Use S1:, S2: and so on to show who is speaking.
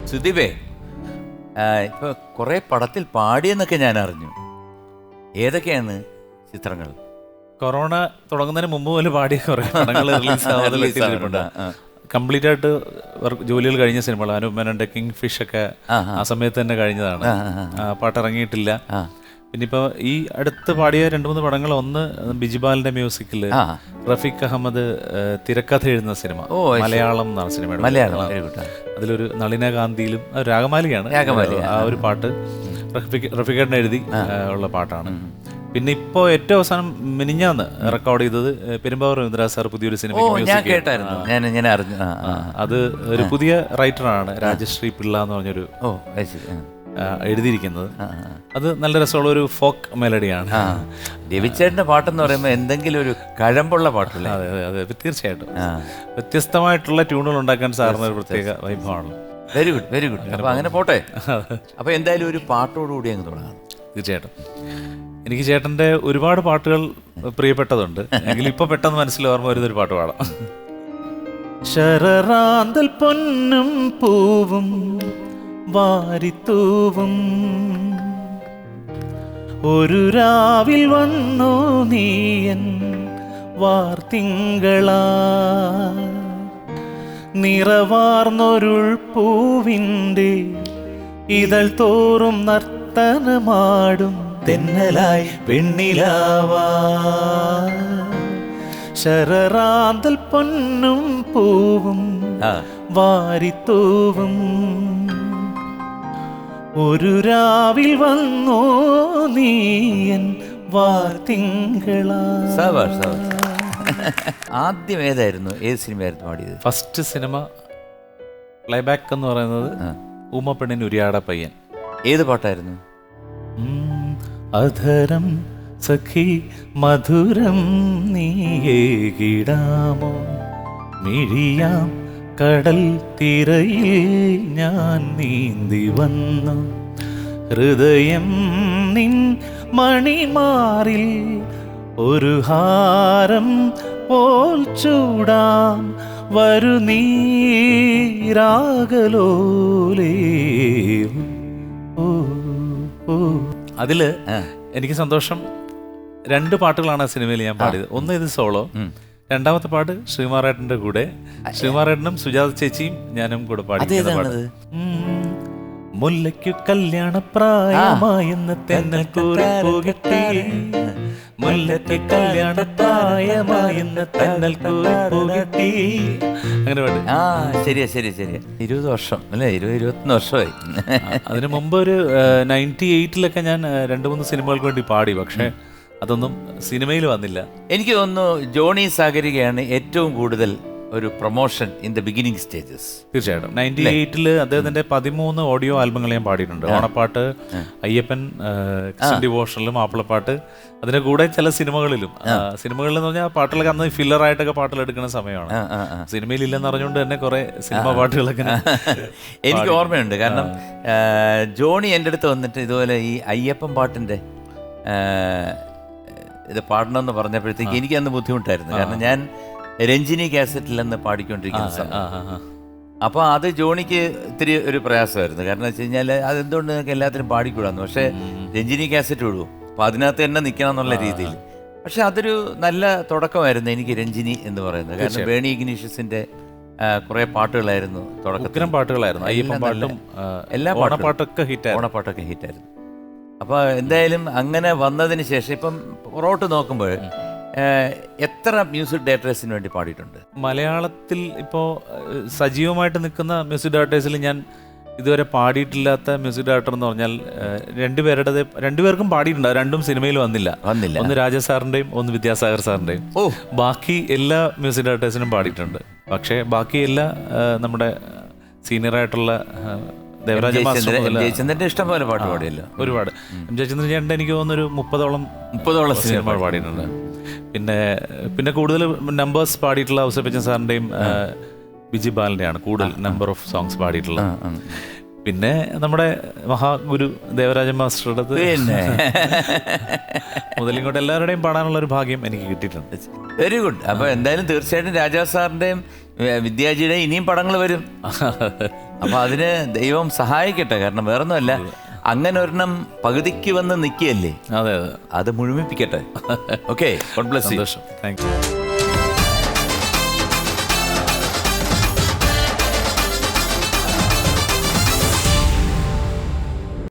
S1: സുദീപേ, ഇപ്പൊ കുറെ പടത്തിൽ പാടിയെന്നൊക്കെ ഞാൻ അറിഞ്ഞു. ഏതൊക്കെയാണ് ചിത്രങ്ങൾ?
S2: കൊറോണ തുടങ്ങുന്നതിന് മുമ്പ് പോലും പാടിയ കുറെ പടങ്ങൾ റിലീസ് കംപ്ലീറ്റ് ആയിട്ട് ജോലികൾ കഴിഞ്ഞ സിനിമകൾ. അനൂപ് മേനോന്റെ കിങ് ഫിഷ് ഒക്കെ ആ സമയത്ത് തന്നെ കഴിഞ്ഞതാണ്. പാട്ട് ഇറങ്ങിയിട്ടില്ല. പിന്നെ ഇപ്പോൾ ഈ അടുത്ത് പാടിയ 2-3 പടങ്ങൾ, ഒന്ന് ബിജിബാലിന്റെ മ്യൂസിക്കിൽ റഫീഖ് അഹമ്മദ് തിരക്കഥ എഴുതുന്ന സിനിമ മലയാളം എന്നാണ് സിനിമയുടെ. അതിലൊരു നളിനകാന്തിയിലും രാഗമാലികയാണ് ആ ഒരു പാട്ട് റഫീഖേട്ടൻ എഴുതി ഉള്ള പാട്ടാണ്. പിന്നെ ഇപ്പോൾ ഏറ്റവും അവസാനം മിനിഞ്ഞാന്ന് റെക്കോർഡ് ചെയ്തത് പെരുമ്പാവൂർ രവീന്ദ്രനാഥ് സാർ പുതിയൊരു സിനിമ. അത് ഒരു പുതിയ റൈറ്ററാണ്, രാജശ്രീ പിള്ള എന്ന് പറഞ്ഞൊരു എഴുതിയിരിക്കുന്നത്. അത് നല്ല രസമുള്ള ഒരു ഫോക്ക് മെലഡിയാണ്.
S1: രവിച്ചേട്ടൻ്റെ പാട്ടെന്ന് പറയുമ്പോൾ എന്തെങ്കിലും ഒരു കഴമ്പുള്ള പാട്ടില്ല.
S2: അതെ അതെ അതെ, തീർച്ചയായിട്ടും വ്യത്യസ്തമായിട്ടുള്ള ട്യൂണുകൾ ഉണ്ടാക്കാൻ സാറിന് ഒരു പ്രത്യേക വൈഭവമാണ്.
S1: Very good very good. അപ്പോൾ അങ്ങനെ പോട്ടെ. അപ്പോൾ എന്തായാലും ഒരു പാട്ടോടുകൂടി അങ്ങ് തുടങ്ങാം.
S2: തീർച്ചയായിട്ടും. എനിക്ക് ചേട്ടൻ്റെ ഒരുപാട് പാട്ടുകൾ പ്രിയപ്പെട്ടതുണ്ട്. എങ്കിലും ഇപ്പൊ പെട്ടെന്ന് മനസ്സിൽ ഓർമ്മ വരുന്നൊരു പാട്ട് പാടാം. ശരറാന്തൽ പൊന്നും പൂവും വാരിത്തൂവും ഒരു രാവിൽ വന്നു നീയൻ വാർത്തിങ്കളാ, നിറവാർന്നൊരുൾ പൂവിൻ്റെ ഇതൾ തോറും നർത്തനമാടും തെന്നലായി പെണ്ണിലാവാ. ശരറാന്തൽ പൊന്നും പൂവും വാരിത്തൂവും ഒരു രാവിൽ വന്നോ നീയൻ വാർത്തിങ്കളാ.
S1: ആദ്യം ഏതായിരുന്നു, ഏത് സിനിമയായിരുന്നു പാടിയത്?
S2: ഫസ്റ്റ് സിനിമ പ്ലേബാക്ക് എന്ന് പറയുന്നത് ഊമപ്പെണ്ണിന് ഉരിയാട പയ്യൻ.
S1: ഏത് പാട്ടായിരുന്നു?
S2: അധരം സഖി മധുരം നീയേകിടാമോ, മിഴിയാം കടൽ തിരയിൽ ഞാൻ നീന്തി വന്നു, ഹൃദയം നിൻ മണിമാറിൽ ഒരു ഹാരം പോൽ ചൂടാം, വരു നീരാഗലോലേ. അതില് എനിക്ക് സന്തോഷം, 2 പാട്ടുകളാണ് ആ സിനിമയിൽ ഞാൻ പാടിയത്. ഒന്ന് ഇത് സോളോ, രണ്ടാമത്തെ പാട്ട് ശ്രീമാറേട്ടന്റെ കൂടെ. ശ്രീമാറേട്ടനും സുജാത ചേച്ചിയും ഞാനും കൂടെ പാടി. മുല്ലയ്ക്കു കല്യാണ പ്രായമായെന്ന് തെന്നൽ കൂറിപ്പോകട്ടെ, മുല്ലയ്ക്ക് കല്യാണ പ്രായമായെന്ന് തെന്നൽ കൂറിപ്പോകട്ടെ. അങ്ങനെ പാട്ട്.
S1: ശരിയാ ശരി ശരിയാ. 20 വർഷം അല്ലേ? 20-21 വർഷമായി.
S2: അതിനു മുമ്പ് ഒരു 98-ലൊക്കെ ഞാൻ 2-3 സിനിമകൾക്ക് വേണ്ടി പാടി. പക്ഷേ അതൊന്നും സിനിമയിൽ വന്നില്ല.
S1: എനിക്ക് തോന്നുന്നു ജോണി സാഗരികയാണ് ഏറ്റവും കൂടുതൽ ഒരു promotion in the beginning stages.
S2: തീർച്ചയായിട്ടും. 98-ല് അദ്ദേഹത്തിന്റെ 13 ഓഡിയോ ആൽബങ്ങൾ ഞാൻ പാടിയിട്ടുണ്ട്. ഓണപ്പാട്ട്, അയ്യപ്പൻ, ഡിവോഷനിലും, മാപ്പിളപ്പാട്ട്, അതിന്റെ കൂടെ ചില സിനിമകളിലും. സിനിമകളിൽ എന്ന് പറഞ്ഞാൽ പാട്ടുകളൊക്കെ അന്ന് ഫില്ലറായിട്ടൊക്കെ പാട്ടുകൾ എടുക്കുന്ന സമയമാണ്. സിനിമയിൽ ഇല്ലെന്ന് അറിഞ്ഞുകൊണ്ട് തന്നെ കുറെ സിനിമ പാട്ടുകളൊക്കെ
S1: എനിക്ക് ഓർമ്മയുണ്ട്. കാരണം ജോണി എൻ്റെ അടുത്ത് വന്നിട്ട് ഇതുപോലെ ഈ അയ്യപ്പൻ പാട്ടിന്റെ ഇത് പാടണമെന്ന് പറഞ്ഞപ്പോഴത്തേക്ക് എനിക്ക് അന്ന് ബുദ്ധിമുട്ടായിരുന്നു. കാരണം ഞാൻ രഞ്ജിനി കാസറ്റിലെന്ന് പാടിക്കൊണ്ടിരിക്കുന്ന സമയം. അപ്പോൾ അത് ജോണിക്ക് ഇത്തിരി ഒരു പ്രയാസമായിരുന്നു. കാരണം വെച്ച് കഴിഞ്ഞാൽ അതെന്തുകൊണ്ട് നിങ്ങൾക്ക് എല്ലാത്തിനും പാടിക്കൂടാന്ന്. പക്ഷേ രഞ്ജിനി കാസറ്റ് വിടുമോ, അപ്പോൾ അതിനകത്ത് തന്നെ നിൽക്കണം എന്നുള്ള രീതിയിൽ. പക്ഷെ അതൊരു നല്ല തുടക്കമായിരുന്നു എനിക്ക് രഞ്ജിനി എന്ന് പറയുന്നത്. കാരണം ബേണി ഇഗ്നീഷ്യസിന്റെ കുറേ പാട്ടുകളായിരുന്നു തുടക്കത്തിൽ.
S2: പാട്ടുകളായിരുന്നു എല്ലാ ഓണപ്പാട്ടൊക്കെ
S1: ഹിറ്റായിരുന്നു. അപ്പോൾ എന്തായാലും അങ്ങനെ വന്നതിന് ശേഷം ഇപ്പം പുറകോട്ട് നോക്കുമ്പോൾ എത്ര മ്യൂസിക് ഡയറക്ടേഴ്സിന് വേണ്ടി പാടിയിട്ടുണ്ട്
S2: മലയാളത്തിൽ? ഇപ്പോൾ സജീവമായിട്ട് നിൽക്കുന്ന മ്യൂസിക് ഡയറക്ടേഴ്സിൽ ഞാൻ ഇതുവരെ പാടിയിട്ടില്ലാത്ത മ്യൂസിക് ഡയറക്ടർ എന്ന് പറഞ്ഞാൽ 2 പേർക്കും പാടിയിട്ടുണ്ട്. 2 സിനിമയിൽ വന്നില്ല. ഒന്ന് രാജ സാറിൻ്റെയും ഒന്ന് വിദ്യാസാഗർ സാറിൻ്റെയും. ബാക്കി എല്ലാ മ്യൂസിക് ഡയറക്ടേഴ്സിനും പാടിയിട്ടുണ്ട്. പക്ഷേ ബാക്കി എല്ലാ നമ്മുടെ സീനിയറായിട്ടുള്ള
S1: ജയചന്ദ്രന്റെ ഇഷ്ടം പോലെ പാട്ട് പാടിയല്ലോ.
S2: ഒരുപാട്. ജയചന്ദ്രൻ ചേട്ടൻ്റെ എനിക്ക് തോന്നുന്നൊരു 30ഓളം സിനിമ പാടിയിട്ടുണ്ട്. പിന്നെ കൂടുതൽ നമ്പേഴ്സ് പാടിയിട്ടുള്ള ഔസേപ്പച്ചൻ സാറിൻ്റെയും ബിജി ബാലിൻ്റെയാണ് കൂടുതൽ നമ്പർ ഓഫ് സോങ്സ് പാടിയിട്ടുള്ളത്. പിന്നെ നമ്മുടെ മഹാഗുരു ദേവരാജൻ മാസ്റ്ററുടെ മുതലിങ്ങോട്ട് എല്ലാവരുടെയും പാടാനുള്ള ഒരു ഭാഗ്യം എനിക്ക് കിട്ടിയിട്ടുണ്ട്.
S1: Very good. അപ്പോൾ എന്തായാലും തീർച്ചയായിട്ടും രാജാ സാറിൻ്റെയും വിദ്യാജിയുടെയും ഇനിയും പടങ്ങൾ വരും. അപ്പൊ അതിന് ദൈവം സഹായിക്കട്ടെ. കാരണം വേറൊന്നുമല്ല, അങ്ങനെ ഒരെണ്ണം പകുതിക്ക് വന്ന് നിൽക്കുകയല്ലേ,
S2: അതെ അതെ,
S1: അത് മുഴുമിപ്പിക്കട്ടെ. Okay, God bless you.
S2: സന്തോഷം, താങ്ക് യു.